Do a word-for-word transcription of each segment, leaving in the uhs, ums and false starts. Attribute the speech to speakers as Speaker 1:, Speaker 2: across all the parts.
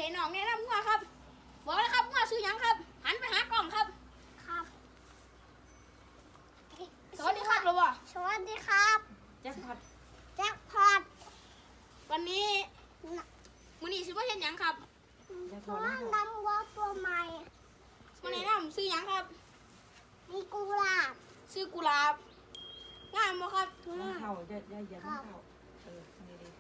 Speaker 1: น้องแนะนำงัวครับบอกเลยครับงัวซื้อยังครับหันไปหากล้องครับ
Speaker 2: ครับ
Speaker 1: สวัสดีครับหรือเปล่า
Speaker 2: สวัสดีครับ
Speaker 1: แจ็คพอต
Speaker 2: แจ็คพอต
Speaker 1: วันนี้มื้อนี้ซื้อมาเห็นยังครับ
Speaker 2: เพราะว่านำวัวตัวใหม่
Speaker 1: มาแนะนำซื้อยังครับ
Speaker 2: มีกุหลาบ
Speaker 1: ซื้อกุหลาบงามบ่ครับ
Speaker 3: มันเข่าอย่าอย่าอย่ามันเข่าเออนี่ดิ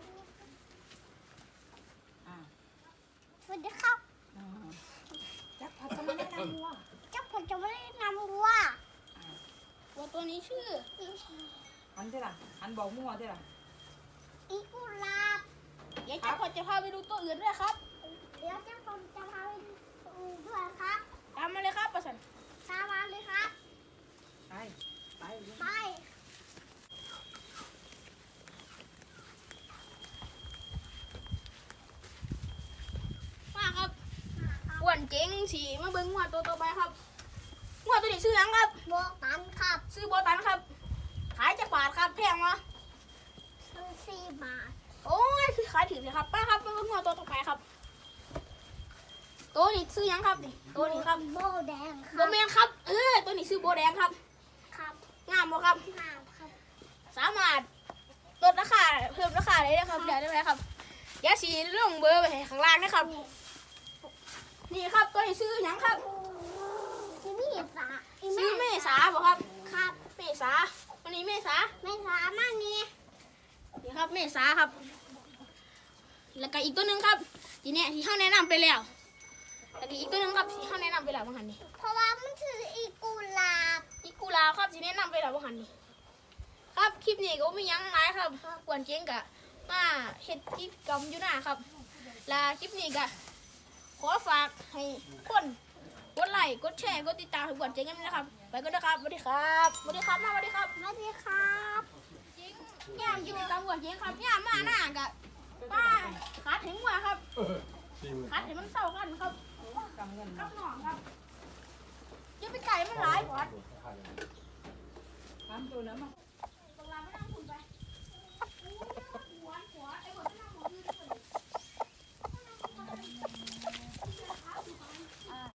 Speaker 3: อ่า
Speaker 2: สวัสดีครับ
Speaker 3: แจ็คพอตจะมาแนะนำวัว
Speaker 2: แจ็คพอตจะไม่ได้นำวัว
Speaker 1: วัวตัวนี้ชื่อ
Speaker 3: อันเท่าไหร่อันบอกมั่วเท่าไหร่
Speaker 2: อีกุหลาบ
Speaker 1: เดี๋ยวแจ็คพอตจะพาไปดูตัวอื่นด้วยครับ
Speaker 2: เดี๋ยวแจ็คพอตจะพาไปดูด้วยครับ
Speaker 1: ตามมาเลยครับประสัน
Speaker 2: ตามมาเลยครับ
Speaker 3: ไปไป
Speaker 2: ไป
Speaker 1: มาครับอ้วนเจ๋งสีมาเบิ้งงัวตัวต่อไปครับงัวตัวนี้ซื้อยังครับ
Speaker 2: โบตันครับ
Speaker 1: ซื้อโบตันครับขายจะบาทครับแพงวะ
Speaker 2: ซื้อสี่บาท
Speaker 1: โอ้ยคือขายถือเลยครับป้าครับมาเบิ้งงัวตัวต่อไปครับตัวนี้ซื้อยังครับนี่ตัวนี้ครับ
Speaker 2: โบแดงค
Speaker 1: โบ
Speaker 2: รับ
Speaker 1: แมนครับเออตัวนี้ซื้อโบแดงครับ
Speaker 2: ครับ
Speaker 1: งามบ่ครับ
Speaker 2: งามครับ
Speaker 1: สามารถลดราคาเพิ่มราคาได้เลยครับเดี๋ยวได้ไหมครับเดี๋ยวสีลงเบอร์ไปข้างล่างนะครับนี่ครับตัวนี้ซื้อยังครับ
Speaker 2: ซื้อเมษา
Speaker 1: ซื้อเมษาบ่ครับ
Speaker 2: ครับ
Speaker 1: เมษาวันนี้เมษา
Speaker 2: เมษามากนี่
Speaker 1: นี่ครับเมษาครับแล้วก็อีกตัวหนึ่งครับทีนี้ที่เขาแนะนำไปแล้วแล้วก็อีกตัวหนึ่งครับที่เขาแนะนำไปแล้วบางหันนี่
Speaker 2: เพราะว่ามันคืออีกุหลาบ
Speaker 1: อีกูลาครับที่แนะนำไปแล้วบางหันนี่ครับคลิปนี้ก็ไม่ยั้งร้ายครับกวนเจ๊งกะมาเฮ็ดกิจกรรมอยู่หน้าครับและคลิปนี้ก็ขอฝากให้คนกดไลค์กดแชร์กดติดตามให้กวนเจ๊งกันนะครับไปกันนะครับสวัสดีครับสวัสดีครับมาสวัสดีครับ
Speaker 2: สวัสดีครับ
Speaker 1: เจ๊งย่ามกิจกรรมกวนเจ๊งครับย่ามมาหน้ากะป้าขาถึงว่าครับขาถึงมันเศร้ากันครับ
Speaker 3: กำเงิน
Speaker 1: ครับหนองครับอย่าไปไก่มันหลายพอด
Speaker 3: ทำตัวนั้นมา